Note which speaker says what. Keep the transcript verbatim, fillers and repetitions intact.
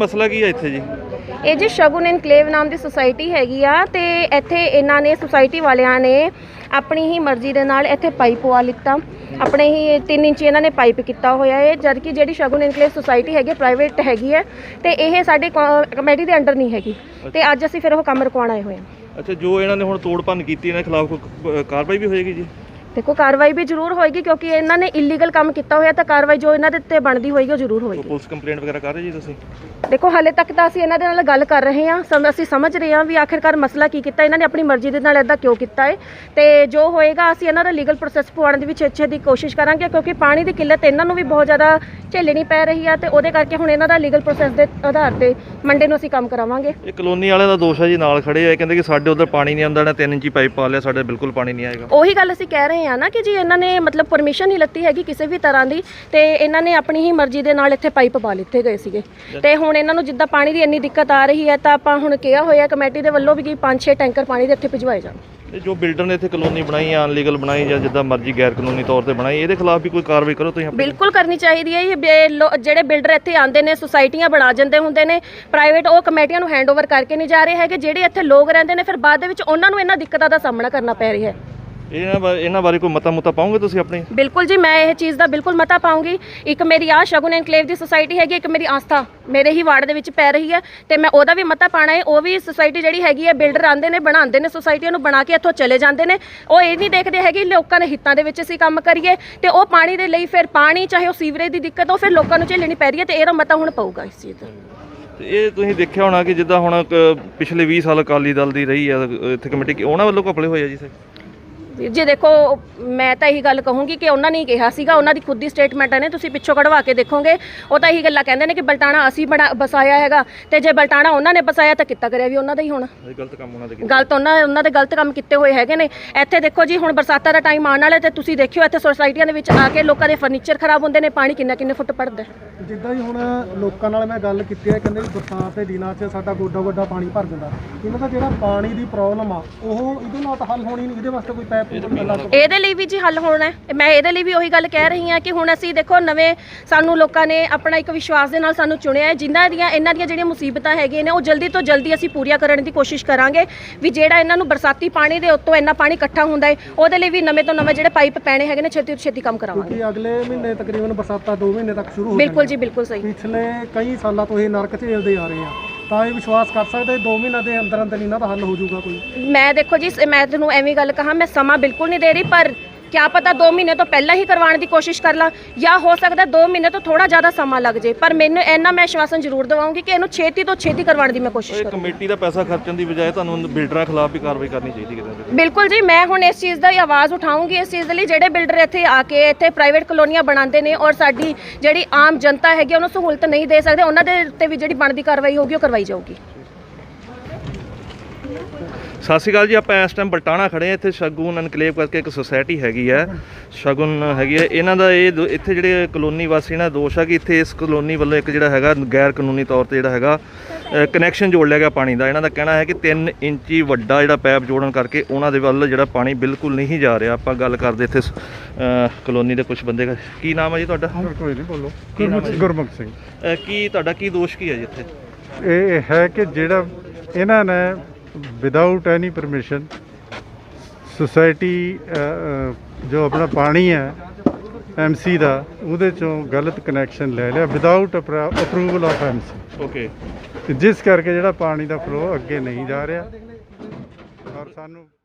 Speaker 1: ਮਸਲਾ ਕੀ ਹੈ ਇੱਥੇ ਜੀ?
Speaker 2: ਇਹ ਜੀ ਸ਼ਗੁਨ ਇਨਕਲੇਵ ਨਾਮ ਦੀ ਸੁਸਾਇਟੀ ਹੈਗੀ ਆ ਤੇ ਇੱਥੇ ਇਹਨਾਂ ਨੇ ਸੁਸਾਇਟੀ ਵਾਲਿਆਂ ਨੇ ਆਪਣੀ ਹੀ ਮਰਜ਼ੀ ਦੇ ਨਾਲ ਇੱਥੇ ਪਾਈਪ ਪਵਾ ਲਿੱਤਾ। ਆਪਣੇ ਹੀ ਤਿੰਨ ਇੰਚ ਇਹਨਾਂ ਨੇ ਪਾਈਪ ਕੀਤਾ ਹੋਇਆ ਹੈ, ਜਦ ਕਿ ਜਿਹੜੀ ਸ਼ਗੁਨ ਇਨਕਲੇਵ ਸੁਸਾਇਟੀ ਹੈਗੀ ਪ੍ਰਾਈਵੇਟ ਹੈਗੀ ਹੈ ਤੇ ਇਹ ਸਾਡੇ ਕਮੇਟੀ ਦੇ ਅੰਡਰ ਨਹੀਂ ਹੈਗੀ ਤੇ ਅੱਜ ਅਸੀਂ ਫਿਰ ਉਹ ਕੰਮ ਰੁਕਵਾਉਣ ਆਏ ਹੋਏ ਹਾਂ।
Speaker 1: ਅੱਛਾ, ਜੋ ਇਹਨਾਂ ਨੇ ਹੁਣ ਤੋੜ ਭੰਨ ਕੀਤੀ ਇਹਨਾਂ ਖਿਲਾਫ ਕੋਈ ਕਾਰਵਾਈ ਵੀ ਹੋਏਗੀ ਜੀ?
Speaker 2: देखो कार्रवाई भी जरूर होएगी क्योंकि इन्होंने इलीगल काम किया होया तो कार्रवाई जो इन्होंने उत्ते बनती होएगी वो जरूर होएगी।
Speaker 1: पुलिस कंप्लेंट वगैरह कर रहे जी तुसीं?
Speaker 2: देखो हाले तक तो ਅਸੀਂ ਇਹਨਾਂ ਦੇ ਨਾਲ ਗੱਲ ਕਰ ਰਹੇ ਹਾਂ, ਸਮ ਅਸੀਂ ਸਮਝ ਰਹੇ ਹਾਂ ਵੀ ਆਖਿਰਕਾਰ ਮਸਲਾ ਕੀ ਕੀਤਾ ਇਹਨਾਂ ਨੇ, ਆਪਣੀ ਮਰਜ਼ੀ ਦੇ ਨਾਲ ਇਦਾਂ ਕਿਉਂ ਕੀਤਾ ਹੈ ਤੇ ਜੋ ਹੋਏਗਾ ਅਸੀਂ ਇਹਨਾਂ ਦਾ ਲੀਗਲ ਪ੍ਰੋਸੈਸ ਪਵਾਉਣ ਦੀ ਵਿੱਚ ਅੱਛੇ ਦੀ ਕੋਸ਼ਿਸ਼ ਕਰਾਂਗੇ ਕਿਉਂਕਿ ਪਾਣੀ ਦੀ ਕਿੱਲਤ ਇਹਨਾਂ ਨੂੰ ਵੀ ਬਹੁਤ ਜ਼ਿਆਦਾ ਝੇਲਣੀ ਪੈ ਰਹੀ ਆ ਤੇ ਉਹਦੇ ਕਰਕੇ ਹੁਣ ਇਹਨਾਂ ਦਾ ਲੀਗਲ ਪ੍ਰੋਸੈਸ ਦੇ ਆਧਾਰ ਤੇ ਮੰਡੇ ਨੂੰ ਅਸੀਂ ਕੰਮ ਕਰਾਵਾਂਗੇ।
Speaker 1: ਇਹ ਕਲੋਨੀ ਵਾਲਿਆਂ ਦਾ ਦੋਸ਼ ਹੈ ਜੀ, ਨਾਲ ਖੜੇ ਹੋਏ ਕਹਿੰਦੇ ਕਿ ਸਾਡੇ ਉਧਰ ਪਾਣੀ ਨਹੀਂ ਆਉਂਦਾ, ਨਾ ਤਿੰਨ ਇੰਚੀ ਪਾਈਪ ਪਾ ਲਿਆ, ਸਾਡੇ ਬਿਲਕੁਲ ਪਾਣੀ ਨਹੀਂ ਆਏਗਾ।
Speaker 2: ਉਹੀ ਗੱਲ ਅਸੀਂ ਕਹਿ ਰਹੇ ਹਾਂ ਨਾ ਕਿ ਜੀ ਇਹਨਾਂ ਨੇ ਮਤਲਬ ਪਰਮਿਸ਼ਨ ਨਹੀਂ ਲੱਤੀ ਹੈਗੀ ਕਿਸੇ ਵੀ ਤਰ੍ਹਾਂ ਦੀ ਤੇ ਇਹਨਾਂ ਨੇ ਆਪਣੀ ਹੀ ਮਰਜ਼ੀ ਦੇ ਨਾਲ ਇੱਥੇ ਪਾਈਪ ਪਾ ਲਿੱਤੇ ਗਏ ਸੀਗੇ ਤੇ ਹੁਣ ਇਹਨਾਂ ਨੂੰ ਜਿੱਦਾਂ ਪਾਣੀ ਦੀ ਇੰਨੀ ਦਿੱਕਤ ਆ ਰਹੀ ਹੈ ਤਾਂ ਆਪਾਂ ਹੁਣ ਕਿਹਾ ਹੋਇਆ ਕਮੇਟੀ ਦੇ ਵੱਲੋਂ ਵੀ ਕਿ ਪੰਜ ਛੇ ਟੈਂਕਰ ਪਾਣੀ ਦੇ ਇੱਥੇ ਭਿਜਵਾਏ ਜਾਣ।
Speaker 1: ਜੋ ਬਿਲਡਰ ਨੇ ਇੱਥੇ ਕਲੋਨੀ ਬਣਾਈ ਆ ਅਨਲੀਗਲ ਬਣਾਈ ਜਾਂ ਜਿੱਦਾਂ ਮਰਜ਼ੀ ਗੈਰ ਕਾਨੂੰਨੀ ਤੌਰ ਤੇ ਬਣਾਈ, ਇਹਦੇ ਖਿਲਾਫ ਵੀ ਕੋਈ ਕਾਰਵਾਈ ਕਰੋ ਤੁਸੀਂ?
Speaker 2: ਬਿਲਕੁਲ ਕਰਨੀ ਚਾਹੀਦੀ ਹੈ। ਜਿਹੜੇ ਬਿਲਡਰ ਇੱਥੇ ਆਉਂਦੇ ਨੇ ਸੁਸਾਇਟੀਆਂ ਬਣਾ ਜਾਂਦੇ ਹੁੰਦੇ ਨੇ ਪ੍ਰਾਈਵੇਟ, ਉਹ ਕਮੇਟੀਆਂ ਨੂੰ ਹੈਂਡਓਵਰ ਕਰਕੇ ਨਹੀਂ ਜਾ ਰਹੇ ਹੈਗੇ। ਜਿਹੜੇ ਇੱਥੇ ਲੋਕ ਰਹਿੰਦੇ ਨੇ ਫਿਰ ਬਾਅਦ ਦੇ ਵਿੱਚ ਉਹਨਾਂ ਨੂੰ ਇਹਨਾਂ ਦਿੱਕਤਾਂ ਦਾ ਸਾਹਮਣਾ ਕਰਨਾ ਪੈ ਰਿਹਾ ਹੈ।
Speaker 1: ਇਹਨਾਂ ਬਾਰੇ ਇਹਨਾਂ ਬਾਰੇ ਕੋਈ ਮਤਾ ਮੁਤਾ ਪਾਉਂਗੇ ਤੁਸੀਂ ਆਪਣੇ?
Speaker 2: ਬਿਲਕੁਲ ਜੀ, ਮੈਂ ਇਹ ਚੀਜ਼ ਦਾ ਬਿਲਕੁਲ ਮਤਾ ਪਾਉਂਗੀ। ਇੱਕ ਮੇਰੀ ਆ ਸ਼ਗੁਨ ਇਨਕਲੇਵ ਦੀ ਸੁਸਾਇਟੀ ਹੈਗੀ, ਇੱਕ ਮੇਰੀ ਆਸਥਾ ਮੇਰੇ ਹੀ ਵਾਰਡ ਦੇ ਵਿੱਚ ਪੈ ਰਹੀ ਹੈ ਤੇ ਮੈਂ ਉਹਦਾ ਵੀ ਮਤਾ ਪਾਣਾ ਹੈ। ਉਹ ਵੀ ਸੁਸਾਇਟੀ ਜਿਹੜੀ ਹੈਗੀ ਹੈ ਬਿਲਡਰ ਆਉਂਦੇ ਨੇ ਬਣਾਉਂਦੇ ਨੇ ਸੁਸਾਇਟੀਆਂ ਨੂੰ ਬਣਾ ਕੇ ਇੱਥੋਂ ਚਲੇ ਜਾਂਦੇ ਨੇ, ਉਹ ਇਹ ਨਹੀਂ ਦੇਖਦੇ ਹੈਗੇ ਲੋਕਾਂ ਦੇ ਹਿੱਤਾਂ ਦੇ ਵਿੱਚ ਅਸੀਂ ਕੰਮ ਕਰੀਏ ਤੇ ਉਹ ਪਾਣੀ ਦੇ ਲਈ ਫਿਰ ਪਾਣੀ ਚਾਹੇ ਉਹ ਸੀਵਰੇਜ ਦੀ ਦਿੱਕਤ ਉਹ ਫਿਰ ਲੋਕਾਂ ਨੂੰ ਝੇਲਣੀ ਪੈ ਰਹੀ ਹੈ ਤੇ ਇਹਦਾ ਮਤਾ ਹੁਣ ਪਊਗਾ ਇਸ ਚੀਜ਼ ਦਾ।
Speaker 1: ਇਹ ਤੁਸੀਂ ਦੇਖਿਆ ਹੋਣਾ ਕਿ ਜਿੱਦਾਂ ਹੁਣ ਪਿਛਲੇ ਵੀਹ ਸਾਲ ਅਕਾਲੀ ਦਲ ਦੀ ਰਹੀ ਹੈ ਇੱਥੇ ਕਮੇਟੀ, ਉਹਨਾਂ ਵੱਲੋਂ ਘਪਲੇ ਹੋਏ ਆ ਜੀ?
Speaker 2: ਜੀ ਦੇਖੋ ਮੈਂ ਤਾਂ ਇਹੀ ਗੱਲ ਕਹੂੰਗੀ ਕਿ ਉਹਨਾਂ ਨੇ ਹੀ ਕਿਹਾ ਸੀਗਾ, ਉਹਨਾਂ ਦੀ ਖੁਦ ਦੀ ਸਟੇਟਮੈਂਟ ਨੇ, ਤੁਸੀਂ ਪਿੱਛੋਂ ਕਢਵਾ ਕੇ ਦੇਖੋਗੇ ਉਹ ਤਾਂ ਇਹੀ ਗੱਲਾਂ ਕਹਿੰਦੇ ਨੇ ਕਿ ਬਲਟਾਣਾ ਅਸੀਂ ਬਣਾ ਬਸਾਇਆ ਹੈਗਾ ਤੇ ਜੇ ਬਲਟਾਣਾ ਉਹਨਾਂ ਨੇ ਬਸਾਇਆ ਤਾਂ ਕੀਤਾ ਕਰਿਆ ਵੀ ਉਹਨਾਂ ਦਾ ਹੀ ਹੋਣਾ।
Speaker 1: ਗਲਤ ਕੰਮ ਉਹਨਾਂ ਦੇ
Speaker 2: ਗਲਤ ਉਹਨਾਂ ਉਹਨਾਂ ਦੇ ਗਲਤ ਕੰਮ ਕੀਤੇ ਹੋਏ ਹੈਗੇ ਨੇ। ਇੱਥੇ ਦੇਖੋ ਜੀ ਹੁਣ ਬਰਸਾਤਾਂ ਦਾ ਟਾਈਮ ਆਉਣ ਵਾਲਾ ਤੇ ਤੁਸੀਂ ਦੇਖਿਓ ਇੱਥੇ ਸੁਸਾਇਟੀਆਂ ਦੇ ਵਿੱਚ ਆ ਕੇ ਲੋਕਾਂ ਦੇ ਫਰਨੀਚਰ ਖਰਾਬ ਹੁੰਦੇ ਨੇ, ਪਾਣੀ ਕਿੰਨਾ ਕਿੰਨੇ ਫੁੱਟ ਪੜਦਾ।
Speaker 3: ਜਿੱਦਾਂ ਹੀ ਹੁਣ ਲੋਕਾਂ ਨਾਲ ਮੈਂ ਗੱਲ ਕੀਤੀ ਹੈ, ਕਹਿੰਦੇ ਵੀ ਬਰਸਾਤ ਦੇ ਦਿਨਾਂ 'ਚ ਸਾਡਾ ਗੋਡਾ ਗੋਡਾ ਪਾਣੀ ਭਰ ਜਾਂਦਾ। ਇਹਨਾਂ ਦਾ ਜਿਹੜਾ ਪਾਣੀ ਦੀ ਪ੍ਰੋਬਲਮ ਆ ਉਹ ਇਹਦੇ ਨਾਲ ਤਾਂ ਹੱਲ ਹੋਣੀ ਨਹੀਂ, ਇਹਦੇ ਵਾਸਤੇ ਕੋਈ ਪੈਪ
Speaker 2: ਇਹਦੇ ਲਈ ਵੀ ਜੀ ਹੱਲ ਹੋਣਾ ਹੈ। ਮੈਂ ਇਹਦੇ ਲਈ ਵੀ ਉਹੀ ਗੱਲ ਕਹਿ ਰਹੀ ਹਾਂ ਕਿ ਹੁਣ ਅਸੀਂ ਦੇਖੋ ਨਵੇਂ ਸਾਨੂੰ ਲੋਕਾਂ ਨੇ ਆਪਣਾ ਇੱਕ ਵਿਸ਼ਵਾਸ ਦੇ ਨਾਲ ਸਾਨੂੰ ਚੁਣਿਆ ਹੈ, ਜਿਨ੍ਹਾਂ ਦੀਆਂ ਇਹਨਾਂ ਦੀਆਂ ਜਿਹੜੀਆਂ ਮੁਸੀਬਤਾਂ ਹੈਗੀਆਂ ਨੇ ਉਹ ਜਲਦੀ ਤੋਂ ਜਲਦੀ ਅਸੀਂ ਪੂਰੀਆਂ ਕਰਨ ਦੀ ਕੋਸ਼ਿਸ਼ ਕਰਾਂਗੇ ਵੀ ਜਿਹੜਾ ਇਹਨਾਂ ਨੂੰ ਬਰਸਾਤੀ ਪਾਣੀ ਦੇ ਉੱਤੋਂ ਇੰਨਾ ਪਾਣੀ ਇਕੱਠਾ ਹੁੰਦਾ ਹੈ ਉਹਦੇ ਲਈ ਵੀ ਨਵੇਂ ਤੋਂ ਨਵੇਂ ਜਿਹੜੇ ਪਾਈਪ ਪੈਣੇ ਹੈਗੇ ਨੇ ਛੇਤੀ ਤੋਂ ਛੇਤੀ ਕੰਮ ਕਰਾਵਾਂਗੇ।
Speaker 3: ਕਿਉਂਕਿ ਅਗਲੇ ਮਹੀਨੇ ਤਕਰੀਬਨ ਬਰਸਾਤਾਂ ਦੋ ਮਹੀਨੇ ਤੱਕ ਸ਼ੁਰੂ ਹੋ
Speaker 2: ਬਿਲਕੁਲ ਜੀ ਬਿਲਕੁਲ ਸਹੀ।
Speaker 3: ਪਿਛਲੇ ਕਈ ਸਾਲਾਂ ਤੋਂ ਇਹ ਨਰਕ ਝੇਲਦੇ ਆ ਰਹੇ ਆ ਤਾਂ ਇਹ ਵਿਸ਼ਵਾਸ ਕਰ ਸਕਦੇ ਦੋ ਮਹੀਨਿਆਂ ਦੇ ਅੰਦਰ ਅੰਦਰ ਇਹਨਾਂ ਦਾ ਹੱਲ ਹੋ ਜਾਊਗਾ ਕੋਈ? ਮੈਂ
Speaker 2: ਦੇਖੋ ਜੀ ਮੈਂ ਤੁਹਾਨੂੰ ਐਵੇਂ ਗੱਲ ਕਹਾਂ, ਮੈਂ ਸਮਾਂ ਬਿਲਕੁਲ ਨਹੀਂ ਦੇ ਰਹੀ ਪਰ क्या पता दो महीने तो पहला ही करवाने की कोशिश कर ला या हो सकता है दो महीने तो थोड़ा ज़्यादा समा लग जाए, पर मैंने इन्ना मैं आश्वासन जरूर दवाऊंगी कि इन्हू छेती तो छेती करवाने की मैं कोशिश करूँ।
Speaker 1: कमेटी का पैसा खर्चने की बजाय तुहानू बिल्डर खिलाफ भी कार्रवाई करनी चाहिए।
Speaker 2: बिल्कुल जी, मैं हुण इस चीज़ की आवाज़ उठाऊंगी। इस चीज़ के लिए जिहड़े बिल्डर इत्थे आके इत्थे प्राइवेट कलोनियां बनाते हैं और साडी जिहड़ी आम जनता हैगी उन्हें सहूलत नहीं दे सकते, उन्होंने उत्ते भी जिहड़ी बनदी कार्रवाई होगी वो करवाई जाऊगी।
Speaker 1: ਸਤਿ ਸ਼੍ਰੀ ਅਕਾਲ ਜੀ, ਆਪਾਂ ਇਸ ਟਾਈਮ ਬਲਟਾਣਾ ਖੜੇ ਹਾਂ। ਇੱਥੇ ਸ਼ਗੁਨ ਇਨਕਲੇਵ ਕਰਕੇ ਇੱਕ ਸੁਸਾਇਟੀ ਹੈਗੀ ਹੈ, ਸ਼ਗੁਨ ਹੈਗੀ ਹੈ। ਇਹਨਾਂ ਦਾ ਇਹ ਇੱਥੇ ਜਿਹੜੇ ਕਲੋਨੀ ਵਾਸੀ ਇਹਨਾਂ ਦਾ ਦੋਸ਼ ਹੈ ਕਿ ਇੱਥੇ ਇਸ ਕਲੋਨੀ ਵੱਲੋਂ ਇੱਕ ਜਿਹੜਾ ਹੈਗਾ ਗੈਰ ਕਾਨੂੰਨੀ ਤੌਰ ਤੇ ਜਿਹੜਾ ਹੈਗਾ ਕਨੈਕਸ਼ਨ ਜੋੜ ਲਿਆ ਗਿਆ ਪਾਣੀ ਦਾ। ਇਹਨਾਂ ਦਾ ਕਹਿਣਾ ਹੈ ਕਿ ਤਿੰਨ ਇੰਚੀ ਵੱਡਾ ਜਿਹੜਾ ਪੈਪ ਜੋੜਨ ਕਰਕੇ ਉਹਨਾਂ ਦੇ ਵੱਲ ਜਿਹੜਾ ਪਾਣੀ ਬਿਲਕੁਲ ਨਹੀਂ ਜਾ ਰਿਹਾ। ਆਪਾਂ ਗੱਲ ਕਰਦੇ ਇੱਥੇ ਕਲੋਨੀ ਦੇ ਕੁਝ ਬੰਦੇ। ਕੀ ਨਾਮ ਹੈ ਜੀ ਤੁਹਾਡਾ?
Speaker 4: ਕੋਈ ਨਹੀਂ ਬੋਲੋ। ਗੁਰਮੁਖ ਸਿੰਘ।
Speaker 1: ਕੀ ਤੁਹਾਡਾ ਕੀ ਦੋਸ਼ ਕੀ ਹੈ ਜੀ ਇੱਥੇ?
Speaker 4: ਇਹ ਹੈ ਕਿ ਜਿਹੜਾ ਇਹਨਾਂ ਨੇ ਵਿਦਆਊਟ ਐਨੀ ਪਰਮਿਸ਼ਨ ਸੁਸਾਇਟੀ ਜੋ ਆਪਣਾ ਪਾਣੀ ਹੈ ਐਮ ਸੀ ਦਾ ਉਹਦੇ ਚੋਂ ਗਲਤ ਕਨੈਕਸ਼ਨ ਲੈ ਲਿਆ without approval of M C.
Speaker 1: Okay,
Speaker 4: ਜਿਸ ਕਰਕੇ ਜਿਹੜਾ ਪਾਣੀ ਦਾ ਫਲੋ ਅੱਗੇ ਨਹੀਂ ਜਾ ਰਿਹਾ ਔਰ ਸਾਨੂੰ